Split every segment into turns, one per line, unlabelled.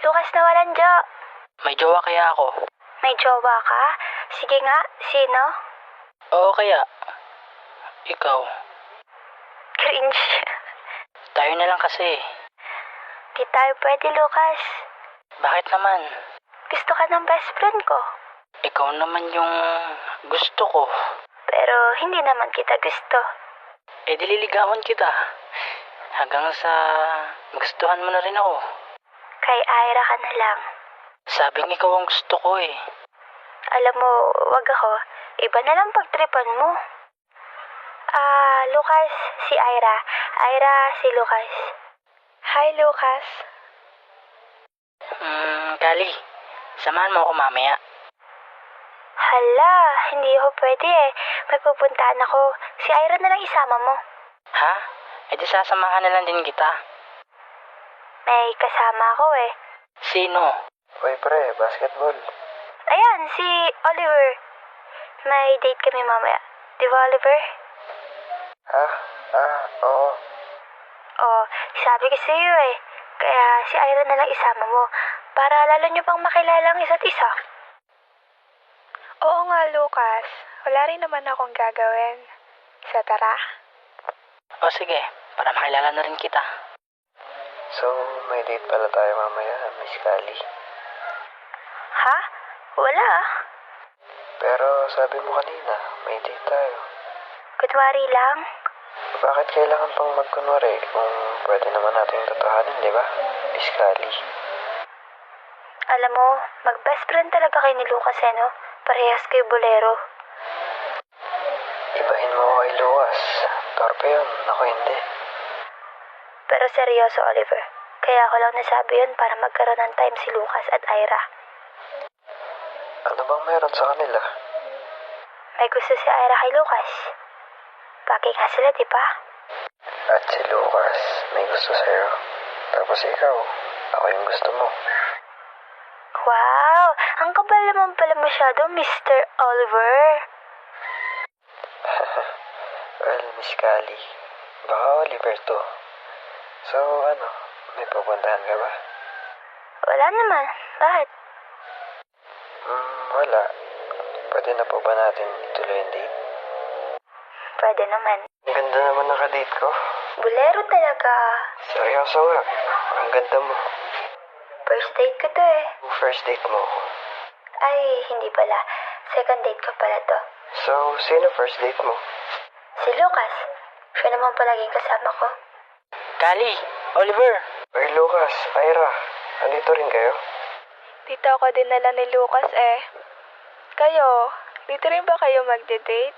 Lucas na walang Jo.
May jowa kaya ako?
May jowa ka? Sige nga, sino?
Oo kaya. Ikaw.
Cringe.
Tayo na lang kasi.
Di tayo pwede, Lucas.
Bakit naman?
Gusto ka ng best friend ko.
Ikaw naman yung gusto ko.
Pero hindi naman kita gusto.
Dililigawan kita. Hanggang sa gustuhan mo na rin ako.
Kay Ira ka na lang.
Sabing ikaw ang gusto ko eh.
Alam mo, wag ako. Iba na lang pagtripan mo. Lucas, si Ira. Ira, si Lucas. Hi, Lucas.
Kali, samahan mo ako mamaya.
Hala, hindi ako pwede eh. May pupuntahan ako. Si Ira na lang isama mo.
Ha? Di sasamahan na lang din kita.
May kasama ako eh.
Sino?
Uy pre, basketball.
Ayan, si Oliver. May date kami mamaya. Di ba, Oliver?
Oo.
Oh, sabi ko sa iyo eh. Kaya si Ira na lang isama mo. Para lalo niyo pang makilala ang isa't isa. Oo nga, Lucas. Wala rin naman akong gagawin. Sa tara.
O sige, para makilala na rin kita.
So, may date pala tayo mamaya, Miss Kali.
Ha? Wala ah.
Pero sabi mo kanina, may date tayo.
Kunwari lang.
Bakit kailangan pang magkunwari kung pwede naman natin totohanin, di ba? Miss Kali.
Alam mo, mag-best friend talaga kayo ni Lucas eh, no? Parehas kayo bolero.
Ibahin mo ako kay Lucas. Torpe yun, ako hindi.
Pero seryoso, Oliver. Kaya ako lang nasabi yun para magkaroon ng time si Lucas at Ira.
Ano bang meron sa kanila?
May gusto si Ira kay Lucas. Bagay nga sila, di ba?
At si Lucas, may gusto sa'yo. Tapos ikaw, ako yung gusto mo.
Wow! Ang kapal naman pala masyado, Mr. Oliver.
Well, Miss Kali, baka Oliver to. So, may pupuntahan ka ba?
Wala naman. Bakit?
Wala. Pwede na po ba natin ituloy yung date?
Pwede naman.
Ang ganda naman ng kadate ko.
Bolero talaga.
Seryoso nga. Ang ganda mo.
First date ko to eh.
First date mo.
Ay, hindi pala. Second date ko pala to.
So, sino first date mo?
Si Lucas. Siya naman palaging kasama ko.
Kali, Oliver.
Ay, Lucas, Ira, andito rin kayo?
Dito ako dinala ni Lucas eh. Kayo, dito rin ba kayo magde-date?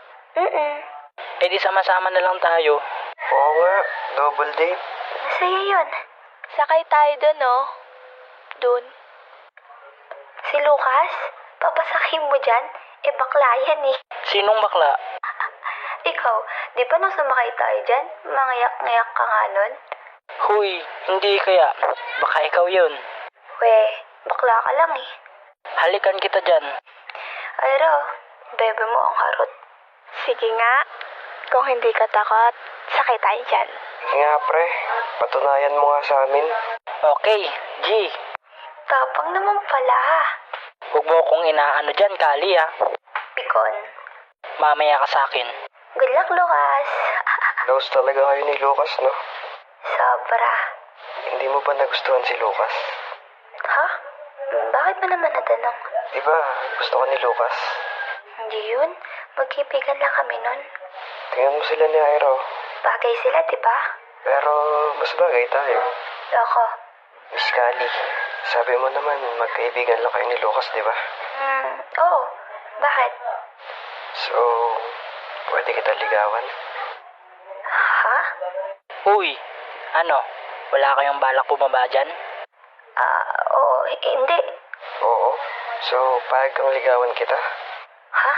Di sama-sama na lang tayo.
Oo nga, double date.
Masaya yun. Sakay tayo dun, no? Dun. Si Lucas? Papasakin mo dyan? Bakla yan eh.
Sinong bakla?
Ikaw, di ba nung sumakay tayo dyan, mangayak-ngayak ka nga nun?
Huy, hindi kaya. Baka ikaw yun.
Weh, bakla ka lang eh.
Halikan kita dyan.
Ayro, bebe mo ang harot. Sige nga, kung hindi ka takot, sakay tayo dyan.
Nga pre, patunayan mo nga sa amin.
Okay, G.
Tapang naman pala.
Huwag mo akong inaano dyan, Kali ha.
Pikon.
Mamaya ka sa akin.
Good luck, Lucas.
Close talaga kayo ni Lucas, no?
Sobra.
Hindi mo ba nagustuhan si Lucas?
Ha? Bakit mo naman natanong?
Di ba, gusto ka ni Lucas?
Hindi yun. Magkipigan lang kami nun.
Tingnan mo sila ni Ira.
Bagay sila, di ba?
Pero mas bagay tayo.
Ako.
Miss Kali, sabi mo naman magkaibigan lang kayo ni Lucas, di ba?
Oo. Bakit?
So, pwede kita ligawan?
Ha?
Uy, ano? Wala kayong balak bumaba dyan?
Oo. Hindi.
Oo. So, payag kang ligawan kita?
Ha?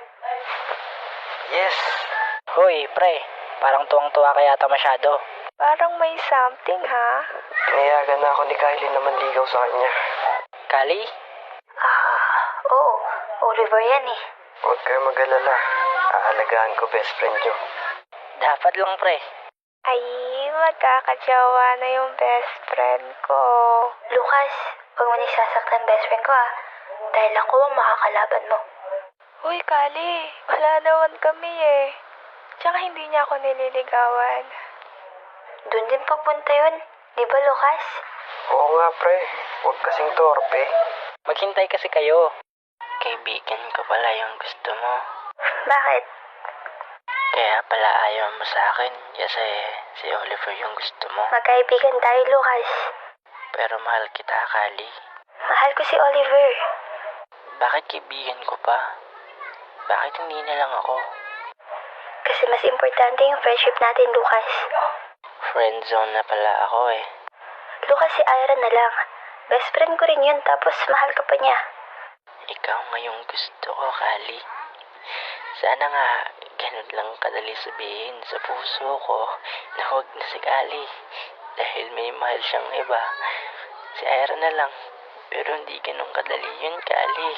Yes!
Hoy, pre. Parang tuwang-tuwa ka yata masyado.
Parang may something, ha?
Pinayagan na ako ni Kylie na manligaw sa kanya.
Kali?
Oo. Oliver yan eh.
Huwag kayo mag-alala. Aalagaan ko best friend nyo.
Dapat lang, pre.
Ay, magkakajawa na yung best friend ko. Lucas, huwag mo nisasaktan best friend ko ah. Dahil ako ang makakalaban mo. Uy, Kali. Wala naman kami eh. Tsaka hindi niya ako nililigawan. Doon din papunta yun. Di ba, Lucas?
Oo nga, pre. Huwag kasing torpe.
Maghintay kasi kayo. Kaibigan ko pala yung gusto mo.
Bakit?
Kaya pala ayaw mo sa akin kasi si Oliver yung gusto mo.
Magkaibigan tayo, Lucas.
Pero mahal kita, Kali.
Mahal ko si Oliver.
Bakit kaibigan ko pa? Bakit hindi na lang ako?
Kasi mas importante yung friendship natin, Lucas.
Friend zone na pala ako eh.
Lucas, si Ira na lang. Best friend ko rin yun, tapos mahal ka pa niya.
Ikaw ngayong gusto ko, Kali. Sana nga ganun lang kadali sabihin sa puso ko na huwag na si Kali. Dahil may mahal siyang iba. Si Ira na lang. Pero hindi ganun kadali yun, Kali.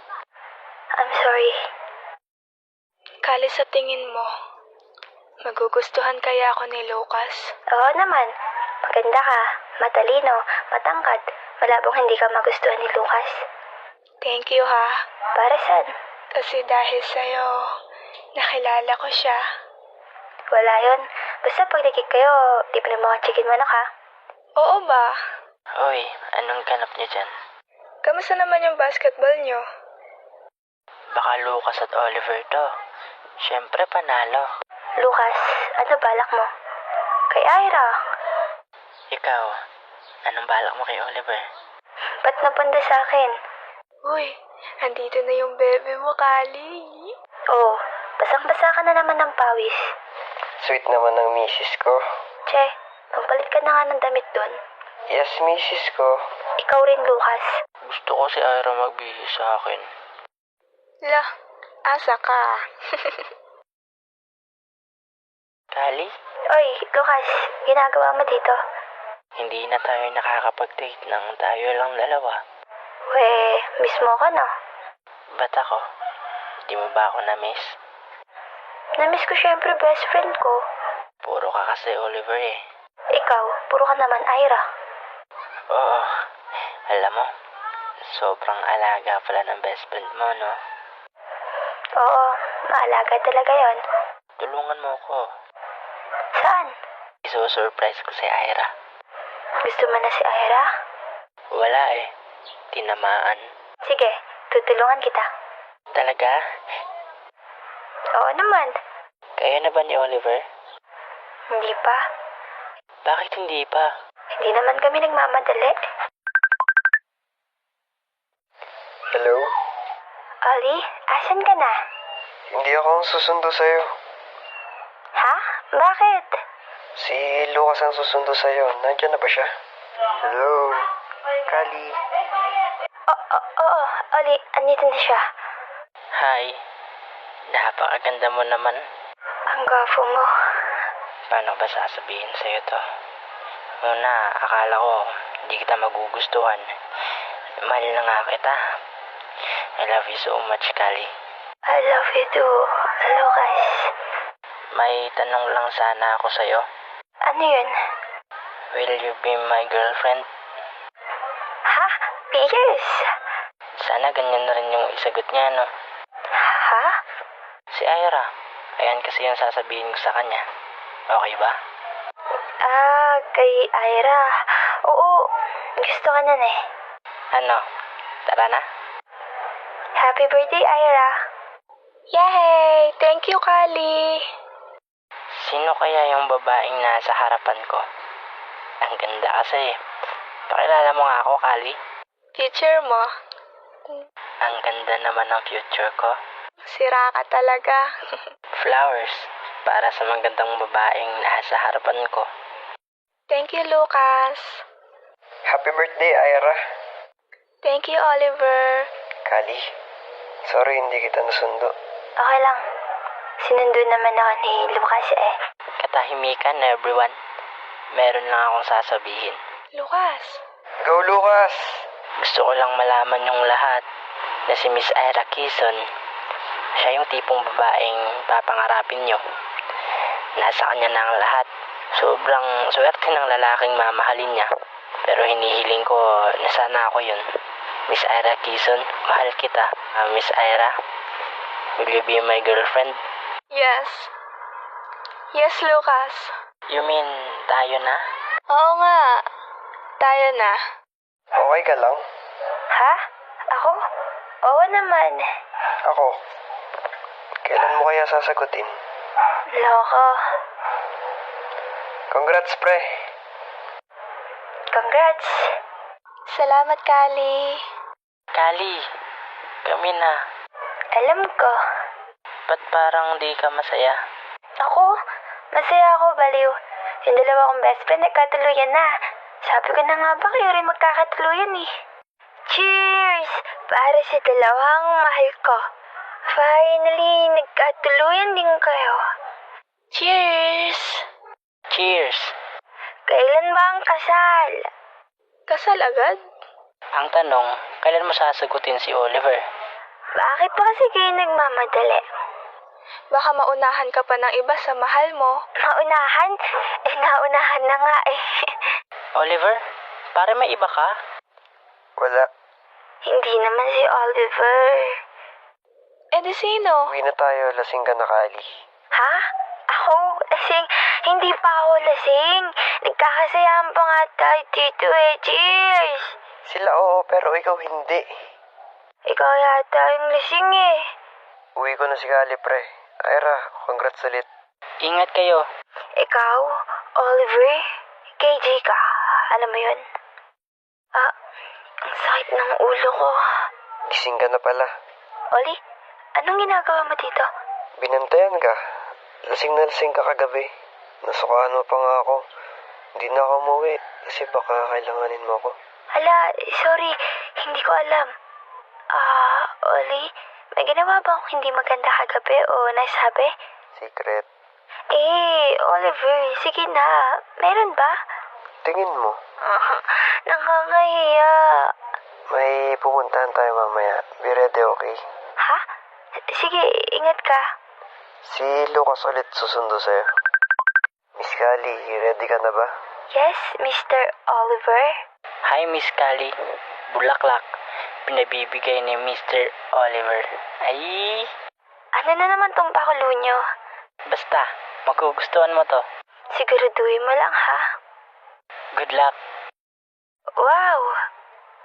I'm sorry.
Kali, sa tingin mo, magugustuhan kaya ako ni Lucas?
Oo naman. Maganda ka, matalino, matangkad. Malabong hindi ka magustuhan ni Lucas.
Thank you ha.
Para saan?
Kasi dahil sa'yo, nakilala ko siya.
Wala yun. Basta pag nagkik kayo, di pa mga chicken manok ha?
Oo ba?
Hoy, anong ganap niya dyan?
Kamusta naman yung basketball nyo?
Baka Lucas at Oliver to. Siyempre panalo.
Lucas, ano balak mo? Kay Ira.
Ikaw, anong balak mo kay Oliver?
Ba't napunta sa akin?
Uy, andito na yung bebe mo, Kali.
Oh, basang-basa ka na naman ng pawis.
Sweet naman ng misis ko.
Che, magpalit ka na nga ng damit dun.
Yes, misis ko.
Ikaw rin, Lucas.
Gusto ko si Ira magbihis sa akin.
La, asa ka?
Kali,
Oy, Lucas, ginagawa mo dito?
hindi na tayo nakakapag-date ng tayo lang dalawa.
We, mismo ka no?
Ba't ako? Di mo ba ako na-miss?
Namiss ko syempre best friend ko.
Puro ka kasi Oliver eh.
Ikaw, puro ka naman Ira.
Oo, alam mo, sobrang alaga pala ng best friend mo, no?
Oo, maalaga talaga yon.
Tulungan mo ko.
Saan?
Iso-surprise ko si Ira.
Gusto mo na si Ira?
Wala eh. Tinamaan.
Sige, tutulungan kita.
Talaga?
Oo naman.
Kayo na ba ni Oliver?
Hindi pa.
Bakit hindi pa?
Hindi naman kami nagmamadali.
Hello?
Ollie, asan ka na?
Hindi ako ang susundo sa'yo.
Ha? Bakit?
Si Lucas ang susundo sa'yo. Nandiyan na ba siya? Hello? Kali?
Oo, Ollie, andito na siya.
Hi. Napakaganda mo naman.
Ang gwapo mo.
Paano ba sasabihin sa'yo to? Una, akala ko hindi kita magugustuhan. Mahal na nga kita. I love you so much, Kali.
I love you too, Lucas.
May tanong lang sana ako sa'yo.
Ano yun?
Will you be my girlfriend?
Ha? Yes.
Sana ganyan na rin yung isagot niya, no?
Ha?
Si Ira. Ayan kasi yung sasabihin ko sa kanya. Okay ba?
Kay Ira. Oo, gusto ka nun eh.
Ano? Tara na?
Happy birthday, Ira.
Yay! Thank you, Kali.
Sino kaya yung babaeng nasa harapan ko? Ang ganda kasi. Pakilala mo nga ako, Kali.
Teacher mo,
Ang ganda naman ng future ko.
sira ka talaga.
Flowers. Para sa magandang babaeng nasa harapan ko.
Thank you, Lucas.
Happy birthday, Ira.
Thank you, Oliver.
Kali? Sorry, hindi kita nasundo.
Okay lang. Sinundo naman ako ni Lucas eh.
Katahimikan, everyone. Meron lang akong sasabihin.
Lucas.
Go, Lucas!
Gusto ko lang malaman yung lahat na si Miss Ira Quezon, siya yung tipong babaeng papangarapin nyo. Nasa kanya na ang lahat. Sobrang swerte ng lalaking mamahalin niya. Pero hinihiling ko na sana ako yun. Miss Ira Quezon, mahal kita. Miss Ira, will you be my girlfriend?
Yes. Yes, Lucas.
You mean tayo na?
Oo nga. Tayo na.
Okay ka lang?
Ha? Ako? Oo naman.
Ako? Kailan mo kaya sasagutin?
Loko.
Congrats, pre.
Congrats.
Salamat, Kali.
Kali, kami na.
Alam ko.
Ba't parang di ka masaya?
Ako? Masaya ako, baliw. Yung dalawa kong best friend nagkatuluyan na. Sabi ko na nga ba kayo rin magkakatuluyan eh. Cheers! Para sa dalawang mahal ko. Finally, nagkatuluyan din kayo.
Cheers!
Cheers!
Kailan ba ang kasal?
Kasal agad?
Ang tanong, kailan mo sasagutin si Oliver?
Bakit ba kasi kayo nagmamadali?
Baka maunahan ka pa ng iba sa mahal mo.
Maunahan? Naunahan na nga eh.
Oliver, pare may iba ka?
Wala.
Hindi naman si Oliver.
Eh di sino?
Uwi na tayo. Lasing ka na, Kali.
Ha? Ako? Lasing? Hindi pa ako lasing. Nagkakasayahan pa nga tayo dito eh. Cheers!
Sila oo, pero ikaw hindi.
Ikaw yata yung lasing eh.
Uwi ko na si Kali, pre. Ira, congrats ulit.
Ingat kayo.
Ikaw, Oliver, KJ ka. Alam mo yun? Ang sakit ng ulo ko.
Gising ka na pala.
Oli, anong ginagawa mo dito?
Binantayan ka. Lasing na lasing ka kagabi. Nasukaan mo pa nga ako. Hindi na ako umuwi kasi baka kailanganin mo ako.
Hala, sorry, hindi ko alam. Oli, may ginawa ba akong hindi maganda kagabi o nasabi?
Secret.
Oliver, sige na. Meron ba?
Tingin mo.
Nakakahiya.
May pupuntahan tayo mamaya. Be ready, okay?
Ha? Sige, ingat ka.
Si Lucas ulit susundo sa'yo. Miss Kali, ready ka na ba?
Yes, Mr. Oliver.
Hi, Miss Kali. Bulaklak. Pinabibigay ni Mr. Oliver. Ay,
Ano na naman tong pakulo nyo?
basta. Magugustuhan mo to.
Siguraduhin mo lang ha.
Good luck.
Wow!